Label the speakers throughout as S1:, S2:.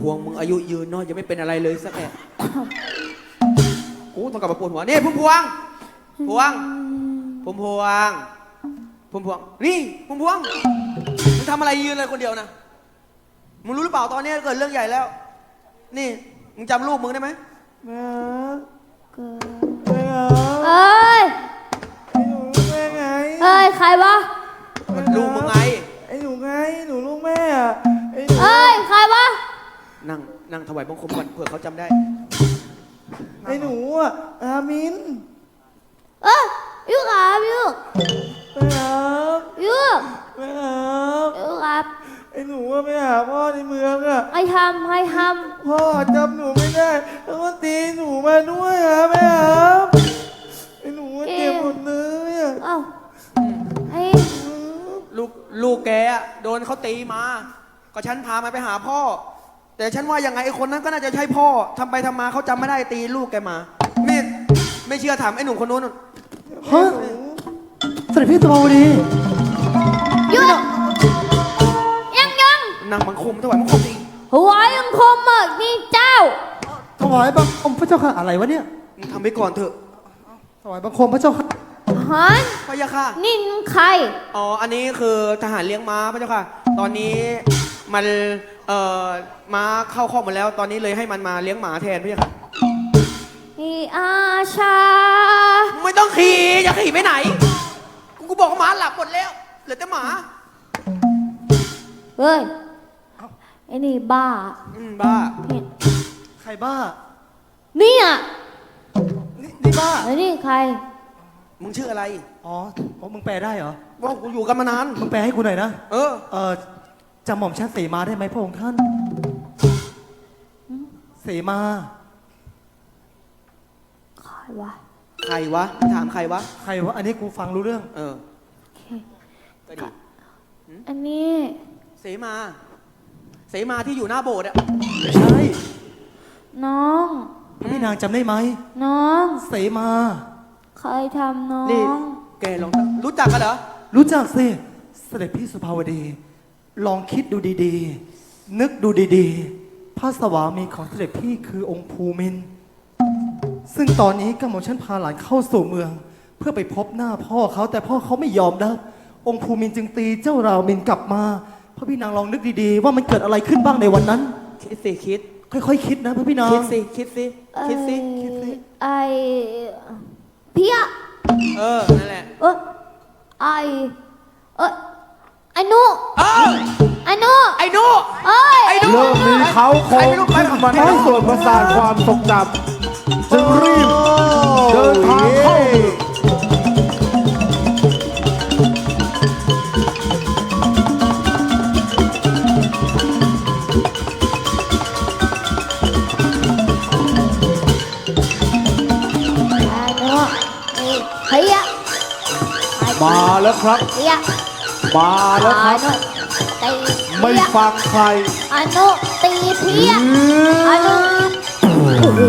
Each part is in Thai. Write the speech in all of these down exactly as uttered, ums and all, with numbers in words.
S1: พวงมึงอายุยืนเนาะยังไม่เป็นอะไรเลยสักแอะกูต้องกลับมาปวดหัวนี่พุ่มพวงพวงพุ่มพวงพุ่มพวงนี่พุ่มพวงมึงทำอะไรยืนเลยคนเดียวนะมึงรู้หรือเปล่าตอนนี้เกิดเรื่องใหญ่แล้วนี่มึงจำลูกมึงได้ไหม
S2: แม่
S3: เกิด
S2: แม่
S3: เอ้ย
S2: ไอ้หนูแม่ไง
S3: เอ้ยใครวะ
S1: มันลูกมึงไง
S2: ไอ้หนูไงหนูลูกแม่อะไอ้หนู
S3: เอ้ยใครวะ
S1: นั่งนั่งถวายบังคมก่อนเผื่อเขาจำได้
S2: ไอ้หนูอะอามิน
S3: เอ้ยยูครับยู
S2: แม่ครับ
S3: ยู
S2: แม่ครับ
S3: ยูครับ
S2: ไอ้หนูว่าไปหาพ่อในเมืองอะ
S3: ให้ทำให้ท
S2: พ่อจำหนูไม่ได้แล้วก็ตีหนูมาด้วยอะแม่ครับไอ้หนูว่าเจ็บหมดเลยอะ
S3: ำเอ้าไอ้
S1: ลูกลูกแกอะโดนเขาตีมา ก็ฉันพามาไปหาพ่อ แต่ฉันว่ายังไงไอ้คนนั้นก็น่าจะใช่พ่อทำไปทำมาเขาจำไม่ได้ตีลูกแกมาไม่ไม่เชื่อถามไอ้หนุ่มคนนู้น
S4: ฮะเสด็จพี่สุภาวดี
S3: หยุดยังยัง
S1: นั่งบังคมถวายบังคมอีก
S3: หัวยังคมอ่ะนี่เจ้า
S4: ถวายบังคมพระเจ้าค่ะอะไรวะเนี่ย
S1: มึงทำไปก่อนเถอะ
S4: ถวายบังคมพระเจ้าค่ะ
S3: ฮัน
S1: พะยะค่ะ
S3: นี่ใคร
S1: อ๋ออันนี้คือทหารเลี้ยงม้าพระเจ้าค่ะ ตอนนี้มันเอ่อม้าเข้าคอกหมดแล้ว ตอนนี้เลยให้มันมาเลี้ยงหมาแทนพะยะค่ะ
S3: นี่อาชา
S1: ไม่ต้องขี่จะขี่ไปไหนกูบอกว่าหมาหลับหมดแล้วเหลือแต่หมา
S3: เฮ้ยไอ้นี่บ้า
S1: อืมบ้า
S3: เนี่ย
S4: ใครบ้า
S3: เนี่ย
S4: นี่นี่บ้า
S3: ไอ้นี่ใคร
S1: มึงชื่ออะไร
S4: อ๋อโอ้มึงแปลได้เหรอ
S1: ว่ากูอยู่กันมานาน
S4: มึงแปลให้กูหน่อยนะ
S1: เออ
S4: เออจำหม่อมชันเสมาได้ไหมพระองค์ท่าน เสมา
S3: ใครวะ
S1: ใครวะถามใครวะ
S4: ใครวะ อันนี้กูฟังรู้เรื่อง
S1: เออ
S3: โอเค
S1: ก็ดี
S3: อันนี้
S1: เสมา เสมาที่อยู่หน้าโบสถ์อะ
S4: ใช่
S3: น้อง
S4: พี่นางจำได้ไหม
S3: น้อง
S4: เสมา
S3: ใครทำน้อ
S1: นี่
S3: ง
S1: แกลองตั้งรู้จักกันเหรอ
S4: รู้จักสิ เสด็จพี่สุภาวดี ลองคิดดูดีๆ นึกดูดีๆ พระสวามีของเสด็จพี่คือองค์ภูมินทร์ซึ่งตอนนี้กำหม่อมฉันพาหลานเข้าสู่เมือง เพื่อไปพบหน้าพ่อเขาแต่พ่อเขาไม่ยอมรับองค์ภูมินทร์จึงตีเจ้ารามินกลับมาพระพี่นางลองนึกดีๆ ว่ามันเกิดอะไรขึ้นบ้างในวันนั้น
S1: คิดสิคิด
S4: ค่อยๆคิดนะพระพี่นาง
S1: คิดสิ คิดสิ คิดสิ
S3: คิดสิไอเพี้ย
S1: เออ นั่นแหละ
S3: เออไอเออไอนุ
S1: เออ
S3: ไอนุ
S1: ไอ้หนู
S3: เอ้ย
S1: ไอ้หนู
S5: เริ่มมีเขาโครงขึ้นมาในส่วนประสาทความทรงจำจึงรีบเดินทางเข้า
S3: ไอนุเพี้ย
S5: มาแล้วครับ
S3: เพี้ย
S5: มาแล้วครับ
S3: ตี
S5: ไม่
S3: เพี้ย
S5: ฟังใคร
S3: ไอนุตีเพี้ยไอนุ
S4: โอ้โห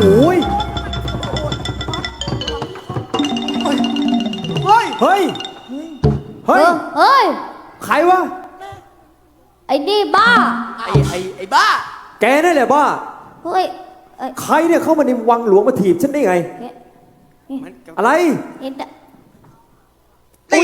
S1: เฮ้ย
S5: เฮ้ย เฮ้ย
S3: เฮ้ย
S5: ใครวะ
S3: ไอ้นี่บ้า
S1: ไอ้ไอ้ไอ้บ้า
S5: แกนั่นแหละบ้า
S3: เฮ้ยเอ้ย
S5: ใครเนี่ยเข้ามาในวังหลวงมาถีบฉันได้ไง
S3: เนี่ย
S1: มัน
S5: อะไร
S3: นี่ดะ
S1: ตี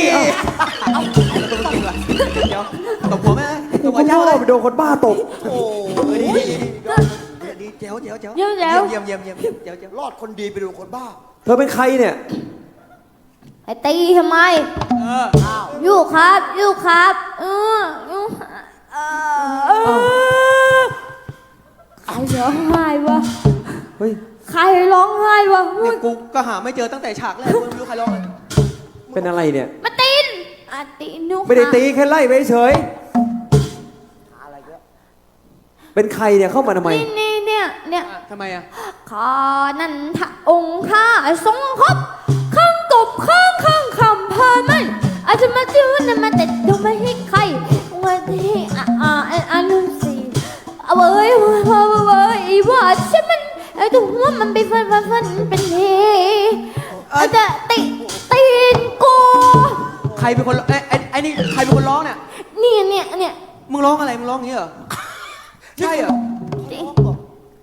S1: เดี๋ยวตบหัวไหมต
S5: กู
S1: บหั
S5: ก็
S1: วเจ้า
S5: ว่า
S1: เลย
S5: ไปโดนคนบ้าตบ
S1: โอ้ยดีดีดีเจ๋วเจ๋วเจ๋ว
S3: เดี๋ยวเดี๋ยว
S1: เยี่ยมเยี่ยมเยี่ยมเยี่ยมเจ๋วเจ๋ว
S2: รอดคนดีไปดูคนบ้า
S5: เธอเป็นใครเนี่ย
S3: ไอ้ตีทำไม
S1: เออ
S3: อยู่ครับอยู่ครับเอออยู่เออใครร้องไห้วะ
S5: เฮ้ย
S3: ใครร้องไห้วะ
S1: เนี่ยกูก็หาไม่เจอตั้งแต่ฉากแรกกูไม่รู้ใครร้องเลย
S5: เป็นอะไรเนี่ย
S3: มาตีนอ่ะตีนุ
S5: ไม่ได้ตีแค่ไล่ไปเฉย เป็นใครเนี่ยเข้ามาทำไม
S3: นี่นี่เนี่ยเนี่ย
S1: อ่ะทำไมอ่ะ
S3: ข้านั่นทะองค์ข้าทรงครบข้างกบข้างข้างคำพามันอาจจะมาจิ้วนั่นมาแต่ดูไม่ให้ใครวันที่อ่าอ่าอ่านุสีเอาเว้ยเว้ยเว้ยเว้ยอีว่าใช่มันไอ้ตัวหัวมันไปฟันฟันฟันเป็นเฮอาจจะติตีนกู
S1: ใครเป็นคนร้องไอ้ไอ้ไอ้นี่ใครเป็นคนร้องเนี่ย
S3: เนี่ยเนี่ยเนี่ย
S1: มึงร้องอะไร มึงร้องอย่างนี้เหรอ ใช่เหรอ
S3: ตี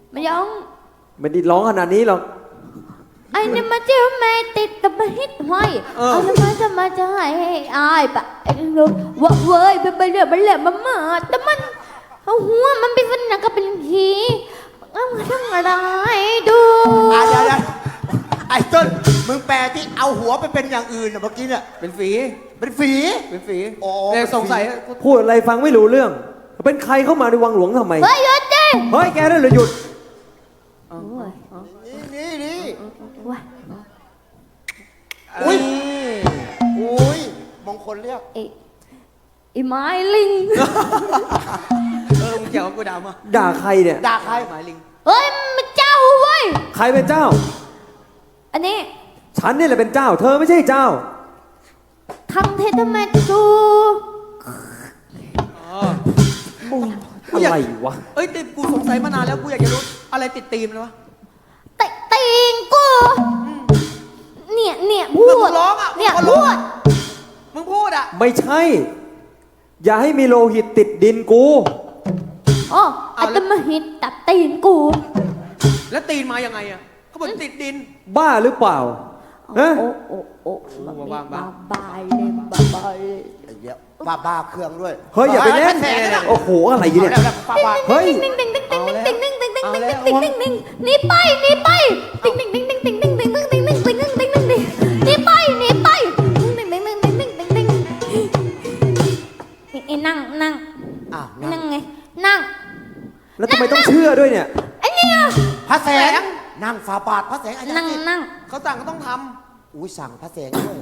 S3: ไม่ร้อง
S6: ไม่ได้ร้องขนาดนี้หรอก
S3: ไอ้นี่มาเจ้าแม่ติดกับมาฮิตห้อยเอาทำไมจะมาจะให้อายปะไอ้ลูกว่าเว้ยเป็นไปเรื่อยไปเรื่อยมาเมื่อแต่มันเอาหัวมันเป็นฝันก็เป็นผีเอามาทำอะไรดู
S7: อ่ะเดี๋ยวเดี๋ยวไอ้ต้นมึงแปลที่เอาหัวไปเป็นอย่างอื่นน่ะเมื่อกี้เนี่ย
S1: เป็นฝี
S7: เป็นฝี
S1: เป็นฝี
S7: อ๋อ
S1: เนี่ยสงสัย
S6: พูดอะไรฟังไม่รู้เรื่อง เป็นใครเข้ามาในวังหลวงทำไม
S3: เฮ้ยหยุดดิ
S6: เฮ้ย แกนั่นเหรอหยุด
S3: โอ้ย
S7: นี่นี่นี่
S3: ว้า
S7: อุ้ยอุ้ยมงคลเรียก
S3: ไอ้ไอ้ไม้ลิง
S1: เออมึงเกี่ยวกับกูดาวมา
S6: ด่าใครเนี่ย
S7: ด่าใคร
S1: หมายลิง
S3: เฮ้ยมันเจ้าเว้ย
S6: ใครเป็นเจ้า
S3: อันนี้
S6: ฉันนี่แหละเป็นเจ้า เธอไม่ใช่เจ้า
S3: ทำเทตเมนดู
S6: อะไรวะ
S1: เอ้ยแต่กูสงสัยมานานแล้วกูอยากจะรู้อะไรติดตีมเลยวะ
S3: เตะตีนกูเนี่ยเนี่ยพู
S1: มึ
S3: ด
S1: งร้องอ่ะ
S3: เนี่ย
S1: มึง
S3: พู
S1: ร้อง
S3: ด
S1: มึงพูดอ่ะ
S6: ไม่ใช่ อย่าให้มีโลหิตติดดินกู
S3: อ๋ออาจจะมาหิตตัดตีนกู
S1: แล้วตีนมายังไงอ่ะเขาบอกติดดิน
S6: บ้าหรือเปล่าฮะ
S3: โอ้โอ้โอ้
S1: บ้าบ้า
S3: บายเลยบาบายเลย
S7: ไอ้เหี้ยบ้าบ้าเครื่องด้วย
S6: เฮ้ย อย่าไปเล่น
S7: แสงนะ
S6: โอ้โห อะไรเนี่ย
S7: แล้วบ้าบ้า
S6: เฮ้ย
S3: ติ๊งติ๊งติ๊งติ๊งติ๊งติ๊งติ๊งติ๊งติ๊งติ๊งติ๊งติ๊งติ๊งหนีไปหนีไปติ๊งติ๊งติ๊งติ๊งติ๊งติ๊งติ๊งติ๊งติ๊งติ๊งติ๊งติ๊งติ๊งติ๊งติ๊งหนีไปหนีไปติ๊งติ๊งติ๊งติ๊งติ๊งติ๊งติ๊งติ๊งนั่งนั่ง
S7: อ้าว
S3: นั่งไงนั่ง
S6: แล้วทำไมต้องเชื่อด้วยเนี่ย
S3: ไอ้เนี่ย
S7: พระแสงนั่งฝ่าบาทพระแสงอาจาร
S3: นั่ง
S7: ย์
S3: นั่ง
S1: เขาสั่งก็ต้องท
S7: อุ้ยสั่งพระแสงด้วย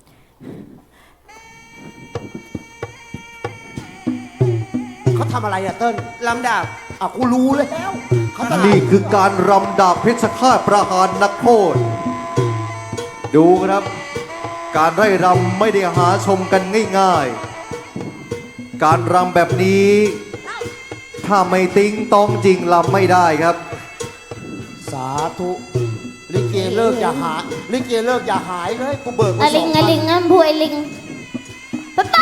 S7: เขาทำอะไรอะเติ้ล
S1: ำลำดาบ
S7: อ่ะกูรู้แล้วเขาทำ
S5: นี่คือการรำดาบเพชรฆาตประหารนักโทษ ดูครับ การไร่รำไม่ได้หาชมกันง่ายๆ การรำแบบนี้ ถ้าไม่ติ้งต้องจริงรำไม่ได้ครับ
S7: สาธุลิเกเลิกอย่าหายลิเกเลิกอย่าหายเลยกูเบิก
S3: อะ
S7: ไว้ส
S3: ลิ
S7: อง ง
S3: อะ
S7: พัน
S3: ลิงงั้นพูดไอ้ลิงไปไป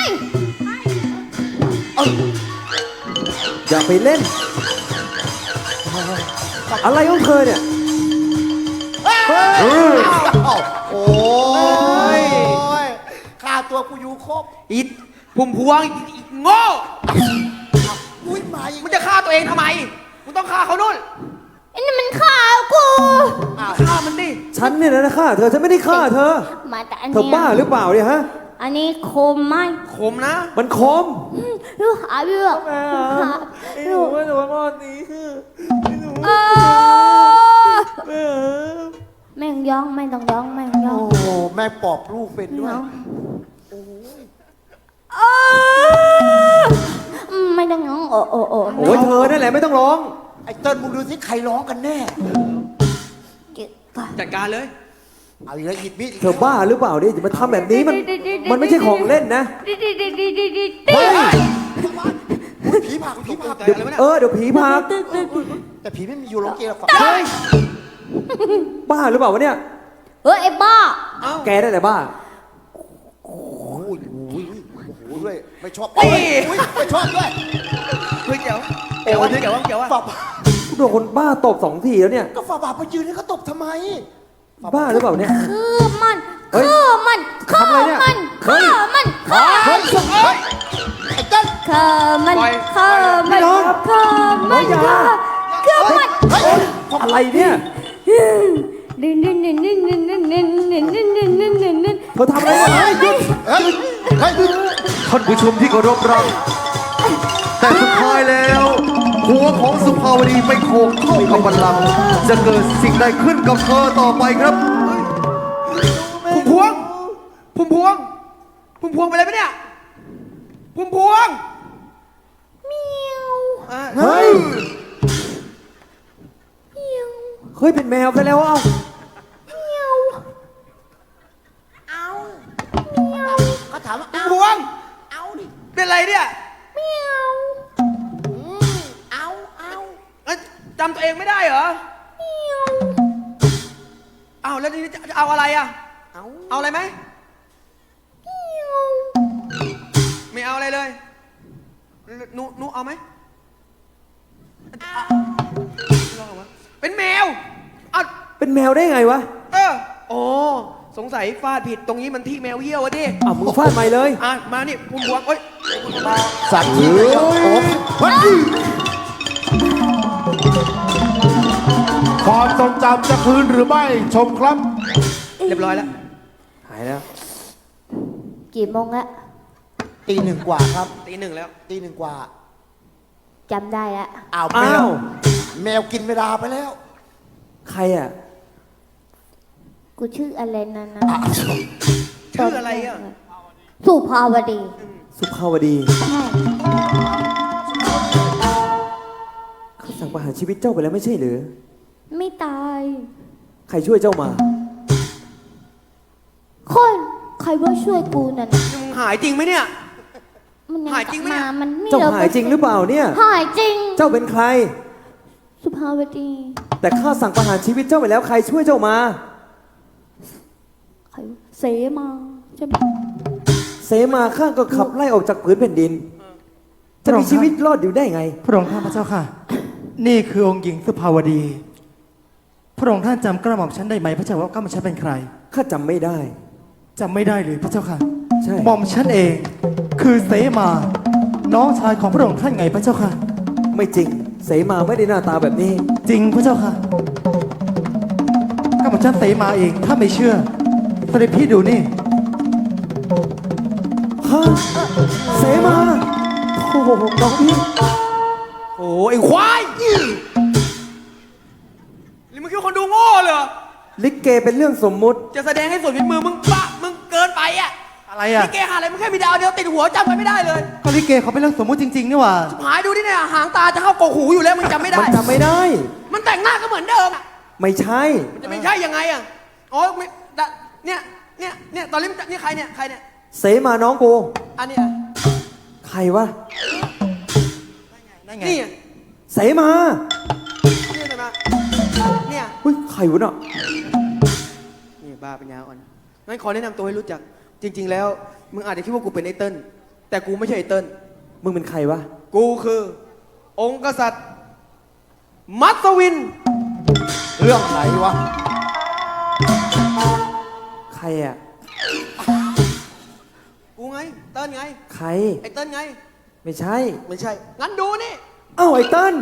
S6: อย่าไปเล่น อะไรของเธอเนี่ย
S7: อ้าวโอ้ยค่าตัวกูอยู่ครบ
S1: อีพุ่มพวงอีอีโง่
S7: อุ้ยมาอีก
S1: มึงจะฆ่าตัวเองทำไมมึงต้องฆ่าเขานู่น
S3: ไอ้นี่มันข่าวกู
S7: อ้าว
S1: ฆ่ามันดิ
S6: ฉันเนี่ยนะฆ่าเธอ ฉันไม่ได้ฆ่าเธอ
S3: มาแต่อัน
S6: เธอ
S3: เนี้ย
S6: บ้าหรือเปล่าเนี่ยฮะ
S3: อันนี้โคมไหม
S1: ขมนะ
S6: มันคม
S3: ลูกหาเรื่องหา
S2: ไอ้หนูว่าหนูว่ารอดนี้คือไอ้หนู
S3: เออ
S2: แม่
S3: แม่งย้องไม่ต้องย้องแม่งย้อ
S7: โอ้
S3: ง
S7: โหแม่ปอบลูกเป็นด้วย
S3: เออไม่ต้องย้องโอ้โอ้โอ้
S6: โอ้ยเธอนั่นแหละไม่ต้องร้อง
S7: ไอ้เติ้ลมึงดูสิใครร้องกันแน่
S3: เก็บก่อน
S1: จัดการเลย
S7: เอาอีกแล้วหยิบมีดอีก
S6: เธอบ้าหรือเปล่าเนี่ยจะมาทำแบบนี้มัน มันไม่ใช่ของเล่นนะ
S3: ดิดิดิดิดิดิ
S6: เฮ้ย
S7: อุ๊ยผีผลักผีผลัก
S1: เดี๋ยวอะไรวะเนี่ย
S6: เออ เดี๋ยวผีพา
S7: แต่ผีไม่มีอยู่โรงเกลือฝัก
S6: เฮ้ย บ้าหรือเปล่าวะเนี่ย
S3: เฮ้ยไอ้บ้า
S1: เอ้า
S6: แกนั่นแหละบ้า
S7: โอ้ยโอ้ยโอ้โหด้วยไม่ชอบ
S1: เฮ้ย
S7: อุ้ยไม่ชอบด้วย
S1: เฮ้ยเจ๋วเจ๋ววะเจ๋ววะเจ๋ววะ
S7: ฝ่าบาท
S6: โดนคนบ้าตบสองทีแล้วเนี่ย
S7: ก็ฝ่าบาทไปยืนให้เขาตบทำไม
S6: บ้าหรือเปล่าเนี่ย
S3: คือมัน
S6: เฮ้ย
S3: คือมันคือ
S6: ทำอะไรเนี่ย
S3: มัน
S6: เฮ้
S3: คื
S6: ย
S3: อมันคือ
S7: เฮ้ยเฮ้ยไอ้เติ้ล
S3: คือมัน
S1: ปล่อย
S3: คือมัน
S6: ปล่อย
S3: คือมัน
S6: อย่า
S3: คือมัน
S7: เฮ้ย
S6: อะไรเนี่ย
S3: ดินดินดินดินดินดินดินดินดินดินดินดินดิน
S6: เธอทำอะไรเนี่ยหยุด
S7: เฮ้ยเฮ้ย
S5: ท่านผู้ชมที่เคารพรัก แต่สุดท้ายแล้ว หัวของสุภาวดีไปโขกเข้ากับบัลลังก์จะเกิดสิ่งใดขึ้นกับเธอต่อไปครับ
S1: พุ่มพวงพุ่มพวงพุ่มพวงไปเลยปะเนี่ยพุ่มพวง
S3: เมียว
S1: อ่ะ
S6: เฮ้ย
S3: เมียว
S6: เฮ้ย เป็นแมวไปแล้วเอ้า
S3: เมียวเอาเมียว
S7: เขาถามว่า
S1: พุ่
S7: เอา
S1: มพวง
S7: เอาดิ
S1: เป็นไรเนี่ย
S3: เมียว
S7: อืมเอาเอา
S1: เอ้ยจำตัวเองไม่ได้เหรอ
S3: เมียว
S1: อ้าวแล้วทีนี้จะจะเอาอะไรอ่ะ
S7: เอา
S1: เอาอะไรไหม
S3: เมียว
S1: ไม่เอาอะไรเลยหนูหนูเอาไหมเอาร้องออกมาเป็นแมวอ้าว
S6: เป็นแมวได้ไงวะ
S1: เออโอ้สงสัยฟาดผิดตรงนี้มันที่แมวเยี่ยวอะดิ
S6: อ่ะมึงฟาดใหม่เลย
S1: อ่ะมานี่พุ่มพวงเอ้ย
S7: สัตว์ที่ไหนก็โอ้วัด
S2: ความทรงจำจะคืนหรือไม่ชมครับ
S1: เรียบร้อยแล้ว
S6: หายแล้ว
S3: กี่โมงละ
S7: ตีหนึ่งกว่าครับ
S1: ตีหนึ่งแล้ว
S7: ตีหนึ่งกว่า
S3: จำได้ละ
S7: อ้าวแม
S6: อ้าว ว
S7: แมวกินเวลาไปแล้ว
S6: ใครอ่ะ
S3: กูชื่ออะไรนั่นนะ
S7: อ่ะ
S1: ชื่ออะไรอ่ะ
S3: สุภาวดี
S6: สุภาวดี
S3: ใช่
S6: เขาสั่งประหารชีวิตเจ้าไปแล้วไม่ใช่หรือ
S3: ไม่ตาย
S6: ใครช่วยเจ้ามา
S3: คนใครว่าช่วยกูนั่นน่ะ
S1: มึงหายจริงไหมเนี่ย
S3: มันยัง
S1: หายจริงไหมเนี่ย
S3: มามันไม่
S6: เจ้า
S3: ลิก
S6: หายจริงหรือเปล่าเนี่ย
S3: หายจริง
S6: เจ้าเป็นใคร
S3: สุภาวดี
S6: แต่ข้าสั่งประหารชีวิตเจ้าไปแล้วใครช่วยเจ้ามา
S3: ใครเสมาใช่ไหม
S6: เสมาข้าก็ขับไล่ออกจากผืนแผ่นดิน จะมีชีวิตรอดอยู่ได้ไง
S4: พระองค์ท่านพระเจ้าค่ะ นี่คือองค์หญิงสุภาวดี พระองค์ท่านจำกระหม่อมฉันได้ไหมพระเจ้าว่ากระหม่อมฉันเป็นใคร
S6: ข้าจำไม่ได้
S4: จำไม่ได้เลยพระเจ้าค่ะ
S6: ใช่
S4: หม่อมฉันเอง คือเสมา น้องชายของพระองค์ท่านไงพระเจ้าค่ะ
S6: ไม่จริง เสมาไม่ได้หน้าตาแบบนี้
S4: จริงพระเจ้าค่ะกระหม่อมฉันเสมาเองถ้าไม่เชื่อเสด็จพี่ดูนี่
S6: ฮะ เสมา โอ้โหน้องพี่
S1: โอ้ไอ้ควายนี่มึงคิดว่าคนดูโง่เหรอ
S6: ลิเกเป็นเรื่องสมมุติ
S1: จะแสดงให้สุดฝีมือมึงปะมึงเกินไปอ่ะ
S4: อะไรอ่ะ
S1: นี่เกหาอะไรมึงแค่มีดาวเดียวติดหัวจำกันไม่ได้เลย
S4: ก็ลิเกเขาเป็นเรื่องสมมุติจริงๆนี่หว่า
S1: หายดูดิเนี่ยหางตาจะเข้ากกหูอยู่แล้วมึงจำไม่ได้
S6: มันจำไม่ได้
S1: มันแต่งหน้าก็เหมือนเดิมอ่ะ
S6: ไม่ใช่
S1: มันจะไม่ใช่ยังไงอ่ะอ๋อไม่ดะเนี่ยเนี่ยเนี่ยตอนนี้มันจะนี่ใครเนี่ยใครเนี่ย
S6: เสมาน้องกู
S1: อันเนี้ย
S6: ใครวะ
S4: นั่นไง
S1: นี่อ่ะ
S6: เสมา
S1: นี่ใช่ไหมเนี่ย
S6: เฮ้ยใครวะเนาะ
S1: นี่บ้าปัญญาอ่อนงั้นขอแนะนำตัวให้รู้จัก จริง ๆ แล้ว มึงอาจจะคิดว่ากูเป็นไอ้เติ้ลแต่กูไม่ใช่ไอ้เติ้ล
S6: มึงเป็นใครวะ
S1: กูคือ องค์กษัตริย์ มัสวิน
S7: เรื่องไหนวะ
S6: ใครอ่ะ
S1: กูไง เติ้ลไง
S6: ใคร
S1: ไอ้เติ้ลไง
S6: ไม่ใช่
S1: ไม่ใช่ งั้นดูนี่
S6: เอ้าไอ้เติ้ล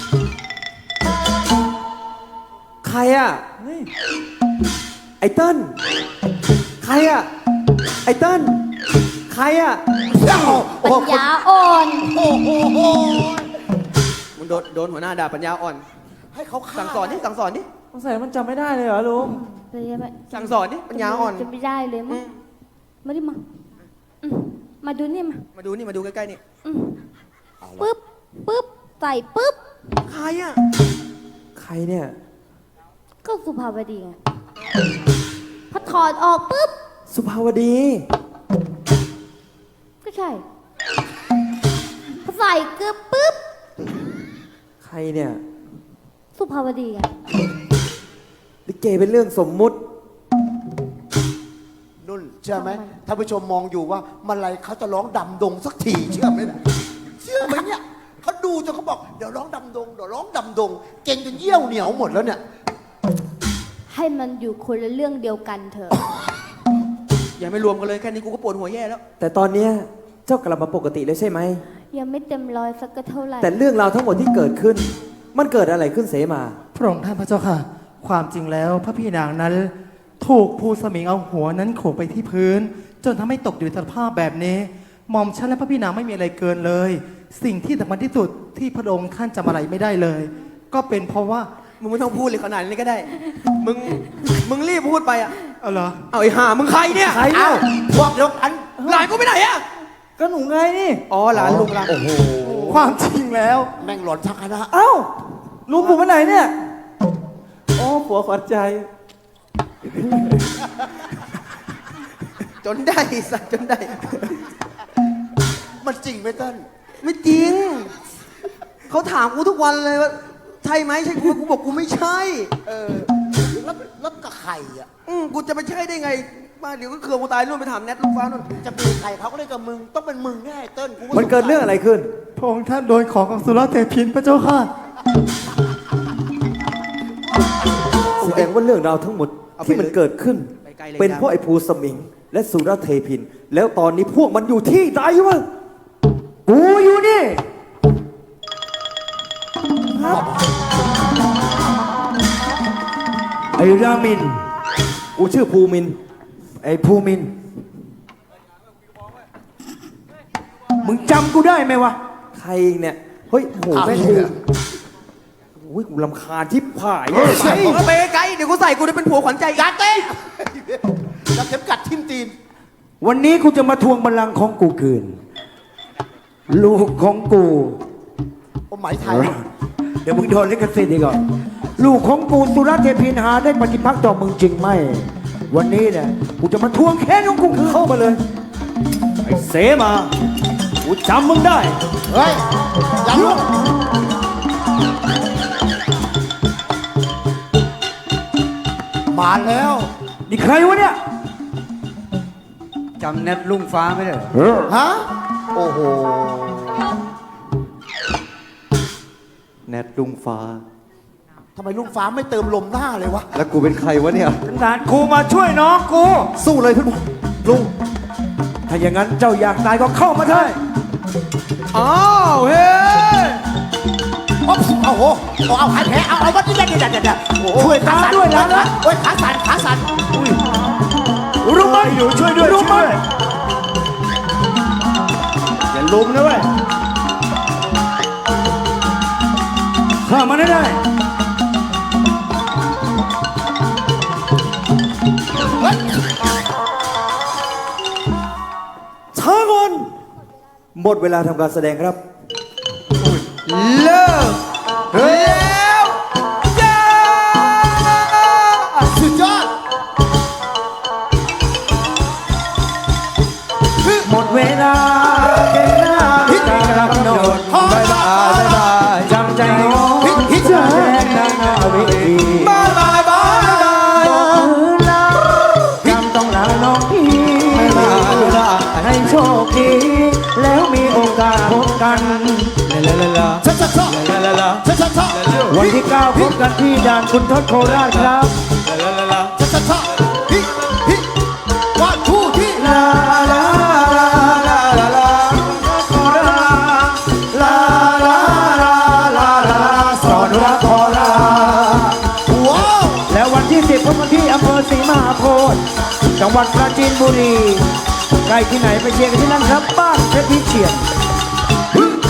S6: ใครอ่ะ ไอ้เติ้ลใครอ่ะ ไอ้เติ้ลใครอ่ะ
S3: ปัญญาอ่อน
S7: โอ้โห
S1: มึงโดนโดนหัวหน้าด่าปัญญาอ่อน
S7: ให้เขาฆ่า
S1: สั่งสอนดิสั่งสอนดิ
S2: สงสัยมันจำไม่ได้เลยเหรอลุง
S3: เลยใช่ไหม
S1: สั่งสอนดิปัญญาอ่อน
S3: จะไม่ได้เลยมั้
S1: อื
S3: ง
S1: ม
S3: ไม่ได้มาอืมมาดูนี่มา
S1: มาดูนี่มาดูใกล้ๆนี่
S3: อืมปึ๊บปึ๊บใส่ปึ๊บ
S1: ใครอ่ะ
S6: ใครเนี่ย
S3: ก็สุภาวดีไงพอถอดออกปึ๊บ
S6: สุภาวดี
S3: ก็ใช่พอใส่เกลือปึ๊บ
S6: ใครเนี่ย
S3: สุภาวดีไง
S6: ลิเกเป็นเรื่องสมมุติ
S7: นุ่นเชื่อไหมท่านผู้ชมมองอยู่ว่าเมื่อไรเขาจะร้องดำดงสักทีเชื่อไหมเนี่ยเชื่อไหมเนี่ยเขาดูจนเขาบอกเดี๋ยวร้องดำดงเดี๋ยวร้องดำดง เก่งจนเยี่ยวเหนียวหมดแล้วเนี่ย
S3: ให้มันอยู่คนละเรื่องเดียวกันเถอะ
S1: อย่าไม่รวมกันเลยแค่นี้กูก็ปวดหัวแย่แล้ว
S6: แต่ตอนเนี้ยเจ้ากลับมาปกติแล้วใช่ไหม
S3: ยังไม่เต็มร้อยสักก็เท่าไหร่
S6: แต่เรื่องราวทั้งหมดที่เกิดขึ้น มันเกิดอะไรขึ้นเสมา
S4: พระองค์ท่านพระเจ้าค่ะ ความจริงแล้วพระพี่นางนั้น ถูกภูสมิงเอาหัวนั้นโขกไปที่พื้น จนทำให้ตกอยู่ในสภาพแบบนี้หม่อมฉันและพระพี่นางไม่มีอะไรเกินเลย สิ่งที่สำคัญที่สุดที่พระองค์ท่านจำอะไรไม่ได้เลย ก็เป็นเพราะว่า
S1: มึงไม่ต้องพูดเลยขนาดนี้ก็ได้ มึง มึงรีบพูดไปอ่ะ
S4: เอาเหรอ
S1: เอาไอ้ห่ามึงใครเนี่ย
S6: ใครเนี่
S7: เอ้าย พวกเดียวกัน
S1: หลานกูไปไหนอ่ะ
S2: ก็หนูไงนี่
S1: อ๋อหลานลุงหลาน
S7: โอ้โห
S4: ความจริงแล้ว
S7: แม่งหลอนทั้งคณะ
S2: เอ้าลุงผมไปไหนเนี่ยโอ้ผัวขวัญใจ
S1: จนได้สัตว์จนได้
S7: มันจริงไหมเต้น
S1: ไม่จริง เขาถามกูทุกวันเลยว่าใช่ไหมใช่กูกูบอกกูไม่ใช่
S7: เออแล้วแล้วกับไข่อ่ะ
S1: อืมกูจะไปใช่ได้ไงมาเดี๋ยวก็เครือกูตายนู่นไปถามแนทลูกฟ้านู่น
S7: จะมีไข่เขาก็ได้กับมึง ต้องเป็นมึงแน่เต้นกู
S6: มันเกิดเรื่องอะไรขึ้น
S4: พระองค์ท่านโดนของของสุรเทพินพระเจ้าค่ะ
S6: แสดงว่าเรื่องราวทั้งหมด
S1: เอาไป
S6: ที่มัน
S1: เลย
S6: เกิดขึ้น
S1: ไปไกลเลย
S6: เป็นเพราะไอ้ภูสมิง และสุรเทพิน แล้วตอนนี้พวกมันอยู่ที่ไหนวะ
S4: กูอยู่นี่ ไอ้รามิน
S6: กูชื่อภูมินทร์
S4: ไอ้ภูมิน มึงจำกูได้ไหมวะ
S6: ใครเนี่ย เฮ้ยโอ้โห
S7: อ้าว
S6: แม่ง
S7: เหี้ย
S6: โอ้ยกูรำคาญที่ผาย
S1: เฮ้ยเอาไปไกลๆเดี๋ยวกูใส่กูได้เป็นผัวขวัญใจ
S7: อย่าเตะจับเข็มกัดทิ่มตีน
S4: วันนี้กูจะมาทวงบัลลังก์ของกูคืน ลูกของกู
S7: โอ้ไหมไทย
S4: เดี๋ยวมึงโดนลิขสิทธิ์อีกก่อนลูกของกูสุรเทพินหาได้ปฏิพักษ์ต่อมึงจริงไหม วันนี้เนี่ยกูจะมาทวงแค้นของกูคืน
S6: เข้ามาเลย ไอ้เสมา กูจำมึงได้
S7: เฮ้ยอย่าลุกมาแล้ว
S4: นี่ใครวะเนี่ย
S2: จำแนทลุงฟ้าไม่ได้
S7: ฮะ โอ้โห
S5: แนทลุงฟ้า
S7: ทำไมลุงฟ้าไม่เติมลมหน้าเลยวะ
S5: แล้วกูเป็นใครวะเนี่ย
S4: ขนาดกูมาช่วยน้องกู
S5: สู้เลยทุกคนลุง
S4: ถ้าอย่างนั้นเจ้าอยากตายก็เข้ามาเถอะ
S1: อ้าวเฮ้ย
S7: โอ้โหเอาเอาหายแผลเอาเอาวัดนี่เด็ดเด็ดเด็ดโอ้โห
S4: ช่วยตาด้วยนะนะ
S7: โอ้ยขาสั่นขาสั่น
S4: รู้ไหมอยู่ช่วยด้วยรู้ไหมอย่าลุมนะเว้ยข้ามันได้
S6: ช้าก่อนหมดเวลาทำการแสดงครับ
S1: เลิกแล้วจ้า
S7: สุดยอด
S4: หมดเวลาเก่งหน้าการกำหนด
S7: บายบายบาย
S4: จำใจโง่แสดงนางนาวิธี
S1: บายบายบาย
S4: มือลาจำต้องลาน้องพี่ให้โชคดีแล้วมีโอกาสพบกัน
S1: ลาลาลา
S7: ชัดชัดชัด
S1: ลาลาลา
S7: ชัดชัดชัด
S4: วันที่เก้าพบกันที่ด่านคุณทศโคราชครับ
S1: ลาลาลา
S7: ชัดชัดชัดฮิฮิวันทูที่
S4: ลาลาลาลาลาลาโคราชลาลาลาลาลาสอนรักโคราช
S7: ว้าว
S4: แล้ววันที่สิบพบกันที่อำเภอศรีมหาโพธิ์จังหวัดปราจีนบุรีใกล้ที่ไหนไปเชียร์กันที่นั่นครับบ้านเพชรพิเชียร